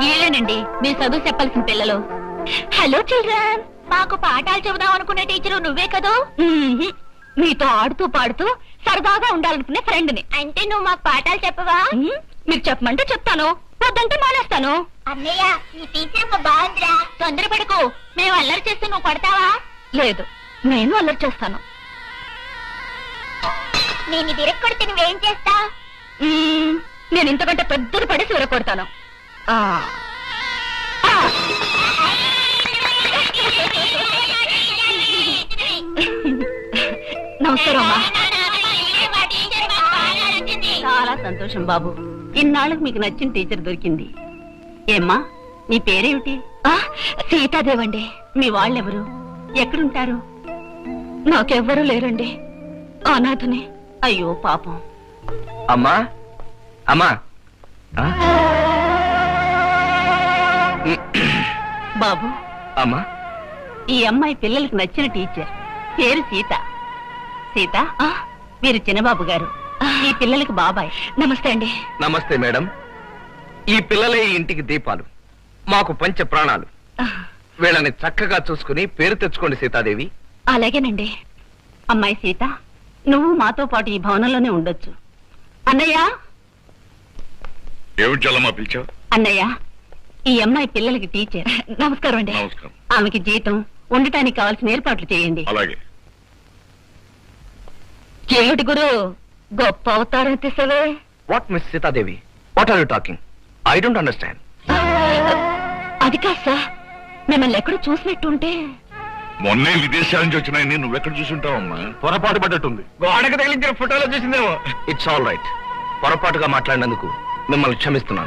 ఏలేనండి మీరు చదువు చెప్పాల్సిన పిల్లలు. హలో చిల్డ్రన్, మాకు పాఠాలు చెబుదాం అనుకునే టీచరు నువ్వే కదూ? మీతో ఆడుతూ పాడుతూ సరదాగా ఉండాలనుకునే ఫ్రెండ్ని. అంటే నువ్వు మాకు పాఠాలు చెప్పవా? మీరు చెప్పమంటే చెప్తాను, వద్దంటే మానేస్తాను. అన్నయ్య ఈ టీచర్ బాగుందిరా. తొందరపడకు, మేము అల్లరి చేస్తే నువ్వు కొడతావా? లేదు, నేను అల్లరి చేస్తాను. నేను విరక్కొడితే నువ్వేం చేస్తా? నేను ఇంతకంటే పెద్దది పడేసి విరక్కొడతాను. నమస్కారం అమ్మా. చాలా సంతోషం బాబు, ఇన్నాళ్ళకు మీకు నచ్చిన టీచర్ దొరికింది. ఏమ్మా నీ పేరేమిటి? సీతాదేవండి. మీ వాళ్ళెవరు, ఎక్కడుంటారు? నాకెవ్వరూ లేరండి, అనాథనే. అయ్యో పాపం. అమ్మా అమ్మా. బాబు అమ్మా, ఈ అమ్మాయి పిల్లలకు నచ్చిన టీచర్, పేరు సీత. సీత, వీరు చిన్నబాబు గారు, ఈ పిల్లలకు బాబాయ్. నమస్తే అండి. నమస్తే మేడం. ఈ పిల్లలే ఈ ఇంటికి దీపాలు, మాకు పంచ ప్రాణాలు. వీళ్ళని చక్కగా చూసుకుని పేరు తెచ్చుకోండి సీతాదేవి. అలాగేనండి. అమ్మాయి సీత, నువ్వు మాతో పాటు ఈ భవనంలోనే ఉండొచ్చు. అన్నయ్య. ఏమిటమ్మా పిలిచావు? అన్నయ్య, ఈ అమ్మాయి పిల్లలకి టీచర్. నమస్కారం అండి. నమస్కారం. ఆమెకి జీతం, ఉండటానికి కావాల్సిన ఏర్పాట్లు చేయండి. అలాగే. ఏమిటి గురు, గొప్ప అవతారం తీసవే. What miss Sitadevi, what are you talking? I don't understand. అది కాదు సార్, మిమ్మల్ని ఎక్కడ చూసినట్టుంటే. మొన్నే విదేశాల నుంచి వచ్చినాయని నువ్వెక్కడ చూసుంటావమ్మా? పొరపాటు పడ్డట్టుంది. గోడకు తగిలించిన ఫోటోలో చూసిందేమో. It's all right. పొరపాటుగా మాట్లాడినందుకు మిమ్మల్ని క్షమిస్తున్నాను.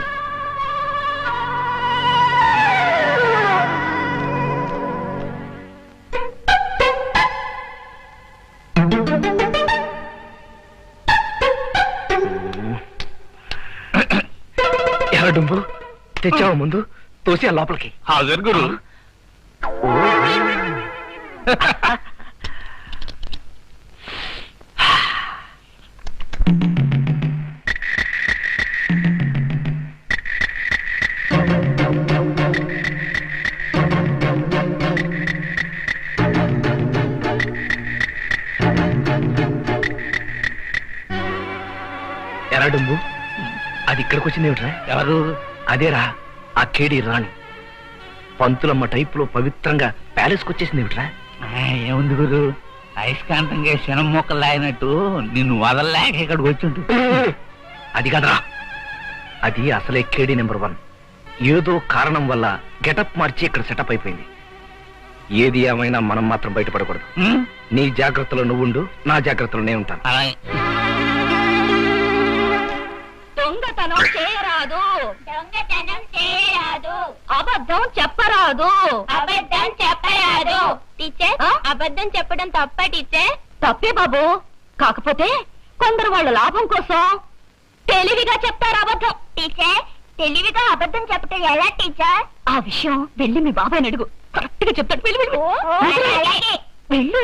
ఎలా డుంబు తెచ్చావా? ముందు తోసి ఆ లోపలికి. హాజరు గురు. ఎరా డుంబు, అది ఇక్కడికి వచ్చింది ఏమిట్రా? ఎవరు? అదేరా ఆ కేడి రాణి. పంతులమ్మ టైపులో పవిత్రంగా ప్యాలెస్కి వచ్చేసింది ఏమిట్రా? ఏముంది గురు, అయస్కాంతంగా శనం మొక్కలు లాగినట్టు నిన్ను వదలలేక ఇక్కడికి వచ్చి. అది కదరా, అది అసలే కేడి నెంబర్ 1. ఏదో కారణం వల్ల గెటప్ మార్చి ఇక్కడ సెటప్ అయిపోయింది. ఏది ఏమైనా మనం మాత్రం బయటపడకూడదు. నీ జాగ్రత్తలో నువ్వుండు, నా జాగ్రత్తలో నేను ఉంటాను. దొంగతనం చేయరాదు, దొంగతనం చేయరాదు, అబద్ధం చెప్పరాదు, అబద్ధం చెప్పరాదు. టీచర్, అబద్ధం చెప్పడం తప్ప టీచర్? తప్పే బాబు, కాకపోతే కొందరు వాళ్ళ లాభం కోసం తెలివిగా చెప్తారు అబద్ధం. టీచర్, తెలివిగా అబద్ధం చెప్పటం ఎలా టీచర్? ఆ విషయం వెళ్ళి మీ బాబాయ్ అడుగు, కరెక్ట్ గా చెప్తాడు. వెళ్ళు.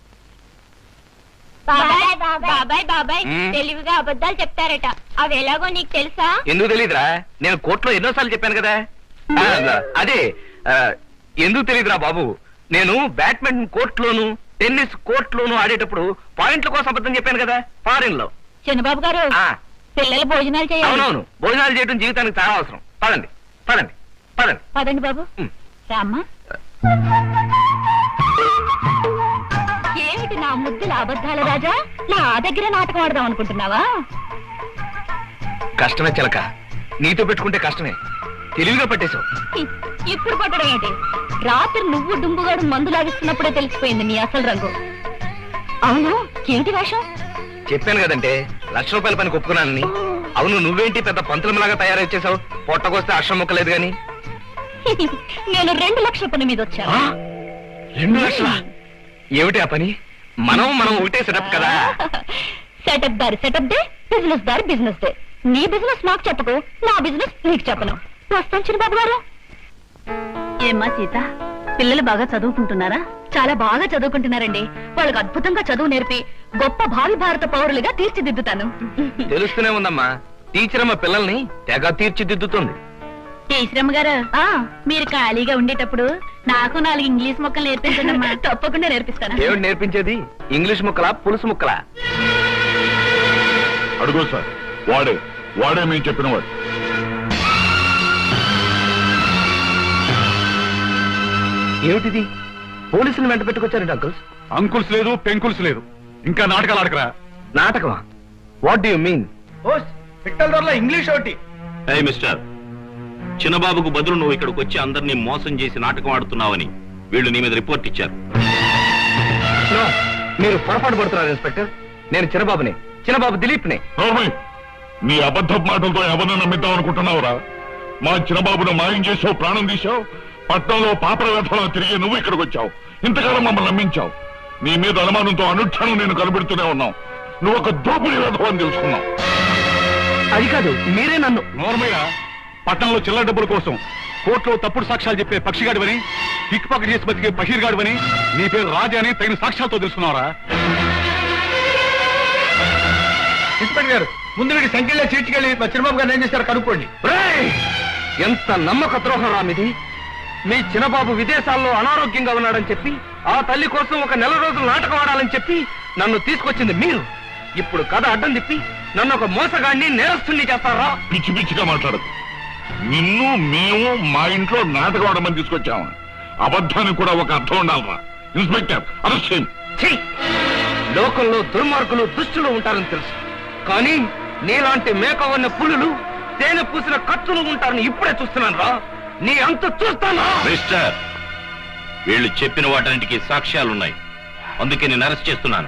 బాబాయ్ బాబాయ్ బాబాయ్, తెలివిగా అబద్ధాలు చెప్తారట, అవి ఎలాగో నీకు తెలుసా? ఎందుకు తెలీదురా, నేను కోర్టులో ఎన్నోసార్లు చెప్పాను కదా. అదే ఎందుకు తెలీదురా బాబు, నేను బ్యాడ్మింటన్ కోర్టులోను టెన్నిస్ కోర్టులోను ఆడేటప్పుడు పాయింట్ల కోసం అబద్ధం చెప్పాను కదా ఫారిన్ లో. చిన్నబాబు గారు, పిల్లలు భోజనాలు చేయాలి. అవునవును, భోజనాలు చేయడం జీవితానికి చాలా అవసరం. పదండి పదండి పదండి. పదండి బాబు. రామ్మా. ఏమిటి నా ముద్దుల అబద్ధాల రాజా, నా దగ్గర నాటకం ఆడదాం అనుకుంటున్నావా? కష్టమే చిలక, నీతో పెట్టుకుంటే కష్టమే. తెలివిగా పట్టేశావు. ఇప్పుడు పట్టడం ఏంటి? రాత్రి నువ్వు డుంబుగాడు మందు లాగిస్తున్నప్పుడే తెలిసిపోయింది నీ అసలు రంగు. అవును, ఏంటి వేషం? చెప్పాను కదంటే ₹1,00,000 పని ఒప్పుకున్నానని. అవును, నువ్వేంటి పెద్ద పంతులంలాగా తయారై వచ్చేసావు? పొట్టకొస్తే అక్షరం మొక్కలేదు గాని. నేను 2 లక్షల పని మీద వచ్చాను. 2 లక్షలా? ఏమిటి ఆ పని? మనం ఒకటే సెటప్ కదా. సెటప్ దారి సెటప్ డే, బిజినెస్ దారి బిజినెస్ డే. నీ బిజినెస్ నాకు చెప్పకు, నా బిజినెస్ నీకు చెప్పను. వస్తాను చిన్నబాబు గారు. ఏమ్మా సీత, పిల్లలు బాగా చదువుకుంటున్నారా? చాలా బాగా చదువుకుంటున్నారండి. వాళ్ళకి అద్భుతంగా చదువు నేర్పి గొప్ప భావి భారత పౌరులుగా తీర్చిదిద్దుతాను. తెలుస్తూనే ఉందమ్మా, టీచర్ అమ్మ పిల్లల్ని తెగ తీర్చిదిద్దుతుంది. ఈశ్వరమ్మ గారు మీరు ఖాళీగా ఉండేటప్పుడు నాకు 4 ఇంగ్లీష్ మొక్కలు నేర్పించండి. తప్పకుండా నేర్పిస్తాను. ఏమిటి నేర్పించేది? ఇంగ్లీష్ ముక్కలా పులుసు ముక్కలా? అడుగు సార్. వాడే మేము చెప్పిన వాడు. ఏమిటిది? పోలీసులు వెంట పెట్టుకొచ్చారండి అంకుల్స్. అంకుల్స్ లేదు, పెంకుల్స్ లేదు. ఇంకా నాటకాలు ఆడకరా. నాటకమా? What do you mean? English ఒకటి. మిస్టర్, చిన్నబాబుకు బదులు నువ్వు ఇక్కడికి వచ్చి అందరినీ మోసం చేసి నాటకం ఆడుతున్నావని వీళ్ళు నీ మీద రిపోర్ట్ ఇచ్చారు. మీరు పొరపాటు పడుతున్నారు ఇన్స్పెక్టర్. నేను చిన్నబాబుని, చిన్నబాబు దిలీప్ని. నీ అబద్ధ మాటలతో ఎవరిని నమ్మిద్దాం అనుకుంటున్నావురా? మా చిన్నబాబును మాయం చేసావు, ప్రాణం తీశావు. పట్నంలో పాపర వ్యర్థంలో తిరిగి నువ్వు ఇక్కడికి వచ్చావు. ఇంతకాలం మమ్మల్ని నమ్మించావు. నీ మీద అనుమానంతో అనుక్షణం నేను కనిపెడుతూనే ఉన్నావు. నువ్వు ఒక దోపిడీ వ్యర్థం అని తెలుసుకున్నావు. అది కాదు, మీరే నన్ను. నోర్మయ్య, పట్టణంలో చిల్లర డబ్బుల కోసం కోర్టులో తప్పుడు సాక్ష్యాలు చెప్పే పక్షిగాడివని, పిక్ పాకెట్ చేసి బతికే పషీర్ గాడివని, నీ పేరు రాజా అని తగిన సాక్ష్యాలతో తెలుసుకున్నావరా? ఇన్స్పెక్టర్ గారు, ముందు వీడి సంఖ్యలో చీడ్చుకెళ్ళి మా చిన్నబాబు గారు ఏం చేశారు కనుక్కోండి. ఎంత నమ్మక ద్రోహం రామిది. మీ చిన్నబాబు విదేశాల్లో అనారోగ్యంగా ఉన్నాడని చెప్పి, ఆ తల్లి కోసం ఒక నెల రోజులు నాటకం ఆడాలని చెప్పి నన్ను తీసుకొచ్చింది మీరు. ఇప్పుడు కథ అడ్డం తిప్పి నన్ను ఒక మోసగాడిని, నేరస్తుని చేస్తారా? పిచ్చి పిచ్చిగా మాట్లాడదు. నిన్ను మేము మా ఇంట్లో నాటకం ఆడమని తీసుకొచ్చాము. అబద్ధానికి కూడా ఒక అర్థం ఉండాలరా. ఇన్స్పెక్టర్, అరెస్ట్ చేయండి. లోకంలో దుర్మార్గులు, దుష్టులు ఉంటారని తెలుసు. కానీ నీలాంటి మేకవన్న పులులు, తేనె పూసిన కత్తులు ఉంటారని ఇప్పుడే చూస్తున్నాను రా. నీ అంత చూస్తానా? మిస్టర్, వీళ్ళు చెప్పిన వాటన్నిటికీ సాక్ష్యాలున్నాయి. అందుకే నేను అరెస్ట్ చేస్తున్నాను.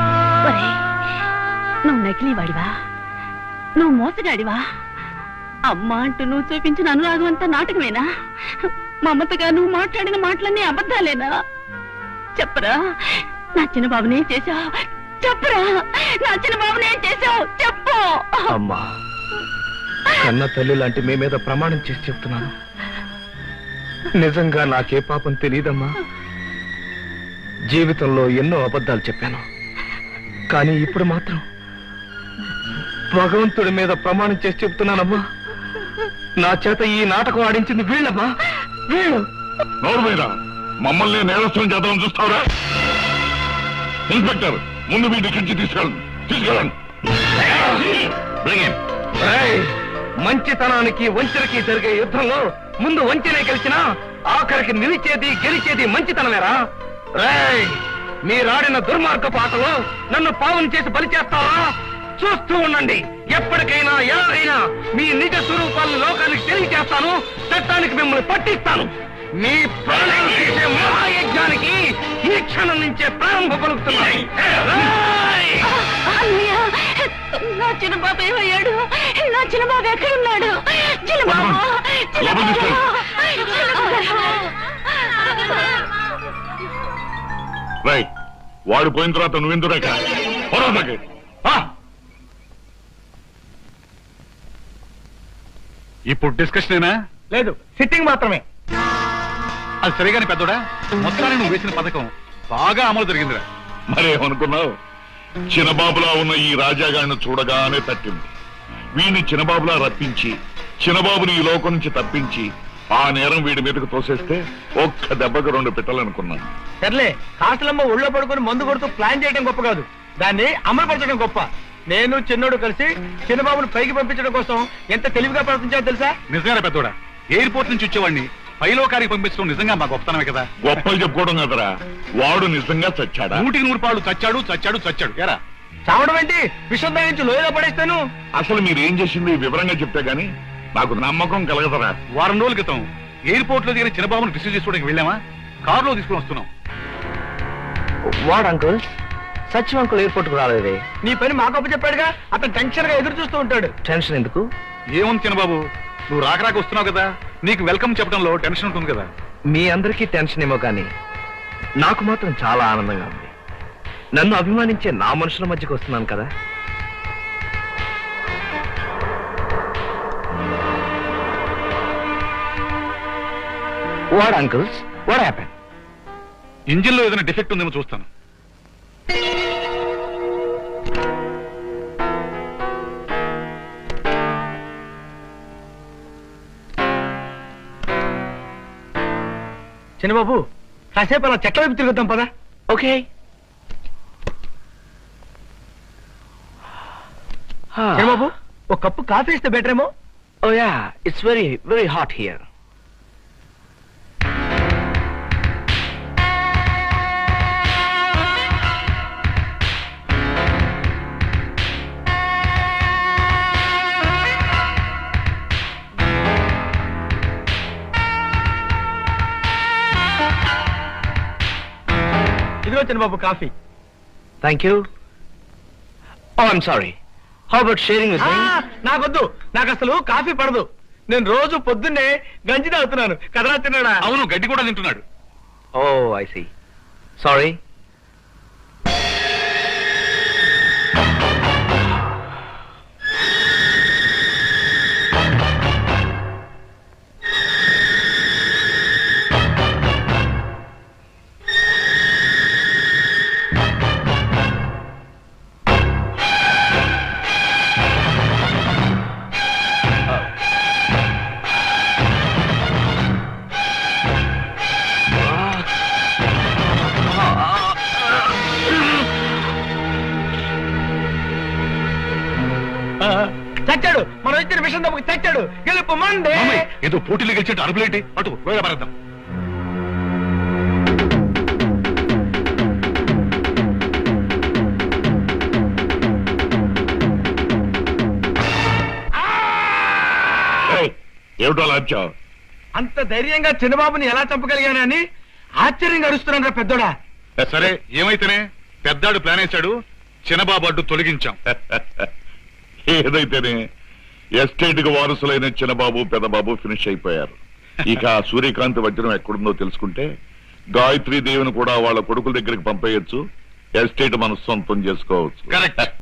నువ్వు నకిలీ వాడివా? నువ్వు మోసగాడివా? అమ్మ అంటూ నువ్వు చూపించిన అనురాగం అంతా నాటకమేనా? మమతగా నువ్వు మాట్లాడిన మాటలన్నీ అబద్ధాలేనా? చెప్పరా, నా చిన్న బాబునే చేశావు? చెప్పరా, నా చిన్న బాబునే చేశావు? చెప్పు. అమ్మా, కన్న తల్లి లాంటి మీ మీద ప్రమాణం చేసి చెప్తున్నాను, నిజంగా నాకే పాపం తెలియదమ్మా. జీవితంలో ఎన్నో అబద్ధాలు చెప్పాను, కానీ ఇప్పుడు మాత్రం భగవంతుడి మీద ప్రమాణం చేసి చెప్తున్నానమ్మా, నా చేత ఈ నాటకం ఆడించింది వీళ్ళమ్మా, వీళ్ళు. నోరు మీద మమ్మల్ని నేరస్తులను చేద్దామని చూస్తావురా? ఇన్స్పెక్టర్, ముందు మీ నుంచి తీసుకెళ్ళండి. మంచితనానికి వంచనకి జరిగే యుద్ధంలో ముందు వంచనే గెలిచినా ఆఖరికి నిలిచేది గెలిచేది మంచితనమేరా. రేయ్, మీరాడిన దుర్మార్గపు ఆటలో నన్ను పావును చేసి బలి చేస్తారా? చూస్తూ ఉండండి. ఎప్పటికైనా ఎలాగైనా మీ నిజ స్వరూపాలను లోకానికి తెలియజేస్తాను. చట్టానికి మిమ్మల్ని పట్టిస్తాను. మీ ప్రాణం తీసే మహాయజ్ఞానికి ఈ క్షణం నుంచే ప్రారంభ పలుకుతున్నాయి. నా చిన్న బాబు ఏమయ్యాడు? నా చిన్న బాబు ఎక్కడున్నాడు? రైట్, వాడు పోయిన తర్వాత నువ్వెందుకు ఇప్పుడు డిస్కషనేనా? లేదు, సిట్టింగ్ మాత్రమే. అది సరిగానే పెద్దోడా, మొత్తాన్ని నువ్వు వేసిన పథకం బాగా అమలు జరిగిందిరా. మరేమనుకున్నావు? చిన్నబాబులా ఉన్న ఈ రాజాగాడిని చూడగానే తట్టింది. వీడిని చిన్నబాబులా రప్పించి, చిన్నబాబుని ఈ లోకం నుంచి తప్పించి, ఆ నేరం వీడి మీదకు తోసేస్తే ఒక్క దెబ్బకు 2 పెట్టాలనుకున్నాను. సర్లే, కాస్టలమ్మ ఒళ్ళో పడుకుని మందు కొడుతూ ప్లాన్ చేయడం గొప్ప కాదు, దాన్ని అమలుపరచడం గొప్ప. నేను చిన్నోడు కలిసి చిన్నబాబును పైకి పంపించడం కోసం ఎంత తెలివిగా ప్రవర్తించాలో తెలుసా? నిజంగా పెద్దోడా, ఎయిర్పోర్ట్ నుంచి వచ్చేవాడిని పైలోకారికి పంపించడం నిజంగా మా గొప్పతనమే కదా. గొప్పలు చెప్పుకోవడం కదరా, వాడు నిజంగా చచ్చాడా? 100కి 100 చచ్చాడు. ఎరా చావడం ఏంటి? విషం నుంచి లోయలో పడేస్తాను. అసలు మీరేం చేసింది వివరంగా చెప్తే గానీ నాకు నమ్మకం కలగదరా. వారం రోజుల క్రితం ఎయిర్పోర్ట్ లో దిగిన చిన్నబాబును రిసీవ్ చేసుకోవడానికి వెళ్ళామా? కారులో తీసుకుని వస్తున్నాం. వాడు అంకుల్, సచివ్ అంకుల్ ఎయిర్పోర్ట్ కు రాలేదే. నీ పని మాకప్పు చెప్పాడుగా, అతను టెన్షన్ గా ఎదురు చూస్తూ ఉంటాడు. టెన్షన్ ఎందుకు? ఏముంది చిన్నబాబు, నువ్వు రాక వస్తున్నావు కదా, నీకు వెల్కమ్ చెప్పడంలో టెన్షన్ ఉంటుంది కదా. మీ అందరికీ టెన్షన్ ఏమో కానీ నాకు మాత్రం చాలా ఆనందంగా ఉంది. నన్ను అభిమానించే నా మనుషుల మధ్యకు వస్తున్నాను కదా. What uncles, what happen? Engine లో ఏదైనా డిఫెక్ట్ ఉందేమో చూస్తాను. చిన్నబాబు కాసేపు అలా చెట్ల వైపు తిరుగుతాం పదా. ఓకే. చిన్నబాబు ఒక కప్పు కాఫీ ఇస్తే బెటర్ ఏమో. Oh yeah, it's very, very hot here. ఇదిగో Chinnababu coffee. Thank you. Oh, I'm sorry. How about sharing with me? నాకొద్దు, నాకు అసలు కాఫీ పడదు. నేను రోజు పొద్దున్నే గంజి తాగుతున్నాను. కదరా తిన్నాడా? అవును, గడ్డి కూడా తింటున్నాడు. Oh, I see. Sorry. చచ్చాడు. మనం ఇచ్చిన విషయం తప్పకి చచ్చాడు. గెలుపు మండే. మామయ్య, ఏదో పోటీలు గెలిచేట్టు అరుపులేంటి? అటు వేరే పడద్దాం. ఏమిటో లాంచావు? అంత ధైర్యంగా చిన్నబాబుని ఎలా చంపగలిగానని ఆశ్చర్యంగా అరుస్తున్నాను రా పెద్దోడా. సరే, ఏమైతేనే పెద్దాడు ప్లాన్ వేశాడు, చిన్నబాబు అడ్డు తొలగించాం. ఏదైతేనే ఎస్టేట్ కు వారసులైన చిన్నబాబు పెద్దబాబు ఫినిష్ అయిపోయారు. ఇక సూర్యకాంత్ వజ్రం ఎక్కడుందో తెలుసుకుంటే గాయత్రీ దేవిని కూడా వాళ్ళ కొడుకుల దగ్గరికి పంపేయచ్చు. ఎస్టేట్ మన సొంతం చేసుకోవచ్చు. కరెక్ట్.